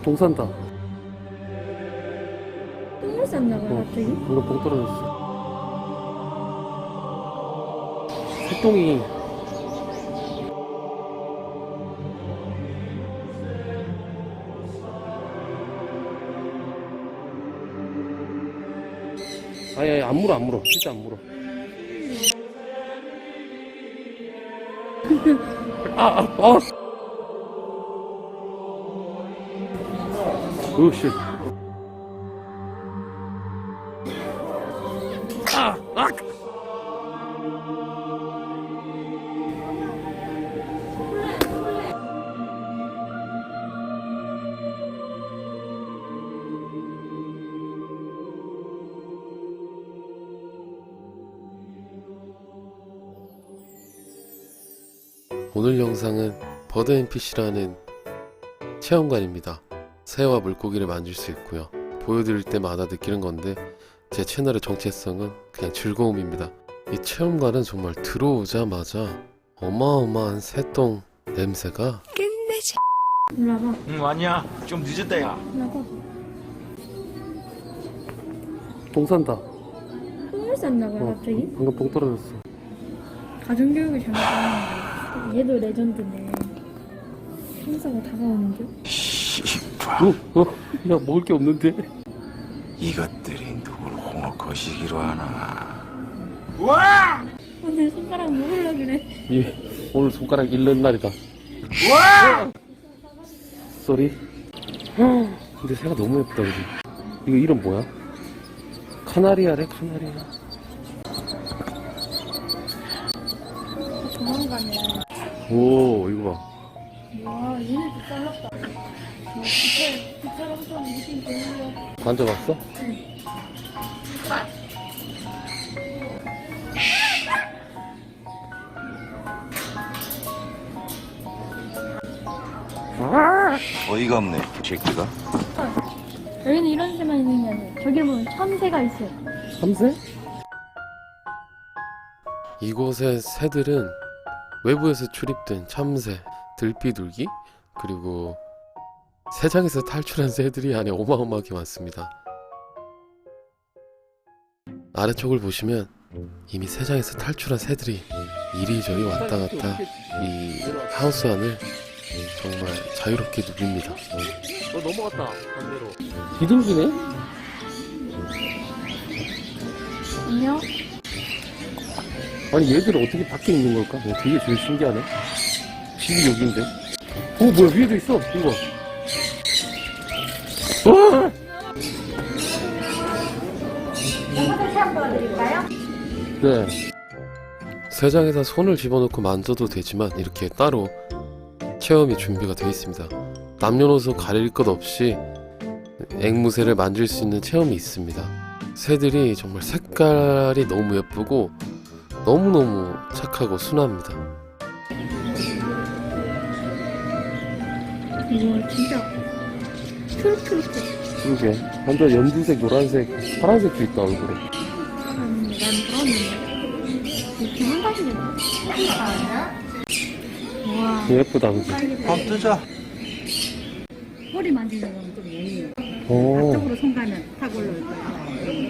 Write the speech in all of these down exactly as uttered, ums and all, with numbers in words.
똥 싼다. 똥을 쌌나 봐, 어, 갑자기. 방금 똥 떨어졌어. 새똥이. 아니, 아니, 안 물어, 안 물어. 진짜 안 물어. 아, 아, 아! 으씨. 아, 아! 오늘 영상은 버드앤피쉬라는 체험관입니다. 새와 물고기를 만질 수 있고요. 보여드릴 때마다 느끼는 건데 제 채널의 정체성은 그냥 즐거움입니다. 이 체험관은 정말 들어오자마자 어마어마한 새똥 냄새가 끝내지. 일로 와봐. 응 아니야 좀 늦었다 야. 일로 와봐. 똥 싼다. 똥을 쌌나 봐, 어, 갑자기. 방금 똥 떨어졌어. 가정교육을 잘못하는 얘도 레전드네. 형사가 다가오는데? 씨발 어, 어, 야, 먹을 게 없는데? 이것들이 누굴 홍어 거시기로 하나. 와! 오늘 손가락 먹으려 그래. 예, 오늘 손가락 잃는 날이다. 와! 쏘리. 근데 새가 너무 예쁘다, 그지? 이거 이름 뭐야? 카나리아래, 카나리아. 조만간에. 오, 이거 봐. 와, 얘네도 잘랐다. 뒷살, 뒷살 엄청 무슨 별로. 만져봤어? 응. 어이가 없네 이 새끼가. 여기는 이런 새만 있는 게 아니에요. 저기 보면 참새가 있어요. 참새? 이곳의 새들은 외부에서 출입된 참새, 들비둘기, 그리고 새장에서 탈출한 새들이 안에 어마어마하게 많습니다. 아래쪽을 보시면 이미 새장에서 탈출한 새들이 이리저리 왔다 갔다 이 하우스 안을 정말 자유롭게 누빕니다. 어, 넘어갔다, 반대로. 비둘기네? 안녕? 아니, 얘들은 어떻게 밖에 있는 걸까? 어, 되게 제일 신기하네. 집이 여기인데. 어, 뭐야, 위에도 있어, 이거. 어! 영상을 체험 보여드릴까요? 네. 새장에다 손을 집어넣고 만져도 되지만 이렇게 따로 체험이 준비가 되어 있습니다. 남녀노소 가릴 것 없이 앵무새를 만질 수 있는 체험이 있습니다. 새들이 정말 색깔이 너무 예쁘고 너무너무 착하고 순합니다. 이거 진짜 초록초록해. 그러게. 완전 연두색, 노란색, 파란색도 있다, 얼굴에. 음, 난 그러는데. 이렇게 한 가지는 와. 예쁘다, 그지? 밥 뜨자. 꼬리 만지는 건 좀 예의예요. 오. 앞쪽으로 손 가면 탁 올라올 거예요.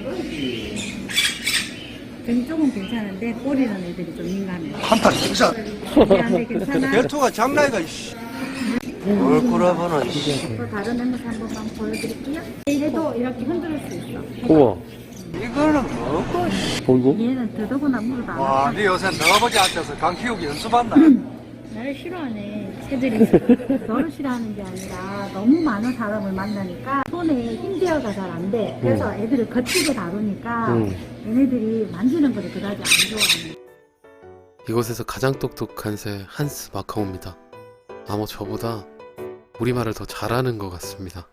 등 쪽은 괜찮은데 꼬리는 애들이 좀 민감해요. 한판 뜨자. 미안해, 괜찮아? 벨토가 장난이가 이씨. 뭘 꼬라보나 이씨. 또 다른 앵무새 한 번만 보여드릴게요. 얘도 이렇게 흔들 수 있어. 우와. 이거는 뭐고? 보이고? 얘는 더더구나 물을 안 와, 먹어. 네 요새 너아버지 앉아서 강 키우기 연습한다. 나를 싫어하네. 새들이 있어. 너를 싫어하는 게 아니라 너무 많은 사람을 만나니까 손에 힘대어가 잘 안 돼. 그래서 애들을 거칠게 다루니까 응. 얘네들이 만지는 거를 그다지 안 좋아하네. 이곳에서 가장 똑똑한 새 한스 마카오입니다. 아마 저보다 우리말을 더 잘하는 것 같습니다.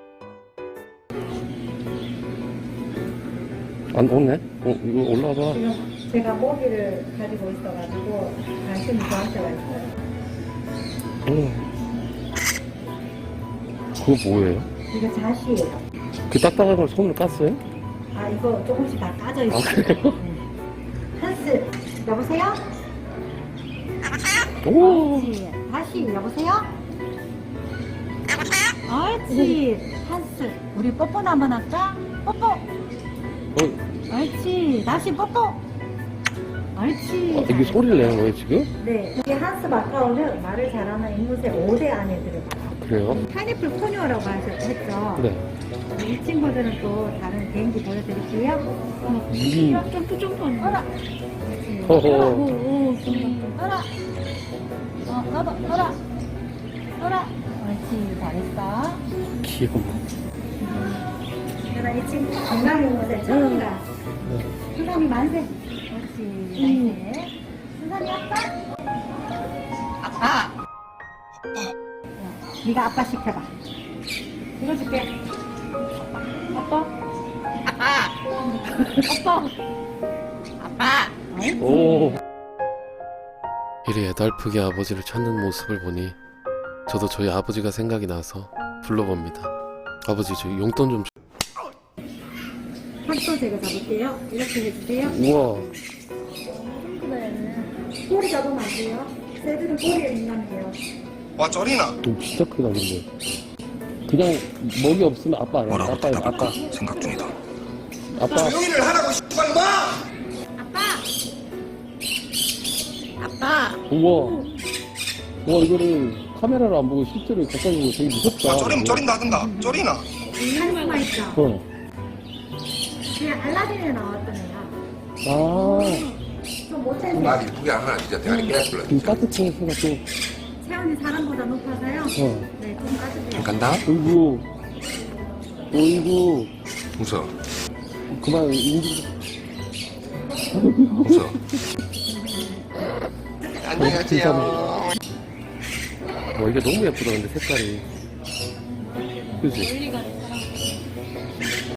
안 오네? 어, 이거 올라와봐. 지금 제가 모기를 가지고 있어가지고 관심이 저한테가 있어요. 어. 그거 뭐예요? 이거 자시예요. 그 딱딱한 걸 손으로 깠어요? 아 이거 조금씩 다 까져 있어요. 아, 그래요? 네. 한스 여보세요? 오! 네. 다시 여보세요? 옳지. 한스. 우리 뽀뽀 한번 할까? 뽀뽀. 어, 옳지. 다시 뽀뽀. 옳지. 어, 이게 소리를 내는 거예요 지금? 네. 이게 한스 마카오는 말을 잘하는 앵무새 오 대 안에 들어가요. 그래요? 파인애플 포뇨라고 하셨죠? 네. 이 친구들은 또 다른 개인기 보여드릴게요. 어, 음. 점프 점프 하는 어라. 옳지. 어허. 어라. 오, 오, 어라. 어, 너도 어라. 어라. 옳지. 잘했어. 귀여워. 내가 이 친구 건강 앵무새 처음이라. 순산이 만세. 옳지. 만세. 순산이 아빠. 아빠. 네가 아빠 시켜봐. 이거 줄게. 아빠. 아빠. 아빠. 아빠. 오. 이리 애달프게 아버지를 찾는 모습을 보니 저도 저희 아버지가 생각이 나서 불러봅니다. 아버지 저 용돈 좀 주... 한도 제가 잡을게요. 이렇게 해주세요. 우와. 친구들은 꼬리 잡으면 안 돼요. 새들은 꼬리에 민감해요. 와 쩌리나 오, 진짜 크다 근데. 그냥 먹이 없으면 아빠 아니야. 뭐라고 아빠 대답할까 아빠. 생각 중이다. 아빠. 조용히를 하라고 씨발 마. 아빠. 우와. 우와 이거를 카메라로 안 보고 실제로 가까이 보고 되게 무섭다. 와 쩌림 쩌림 나든다. 쩌리나. 카리스마 있죠? 어. 그냥 알라딘에 나왔던 애야. 아. 좀 못했네. 말 이쁘게 하면 진짜 대가리 깨졌을라. 그 따뜻한 소가 또. 체온이 사람보다 높아서요. 어. 네, 좀 따뜻해요. 간다. 어이구. 어이구. 웃어. 그만 인지. 웃어. 진짜 안녕하세요. 와 이게 너무 예쁘다 근데 색깔이. 그지? 원리가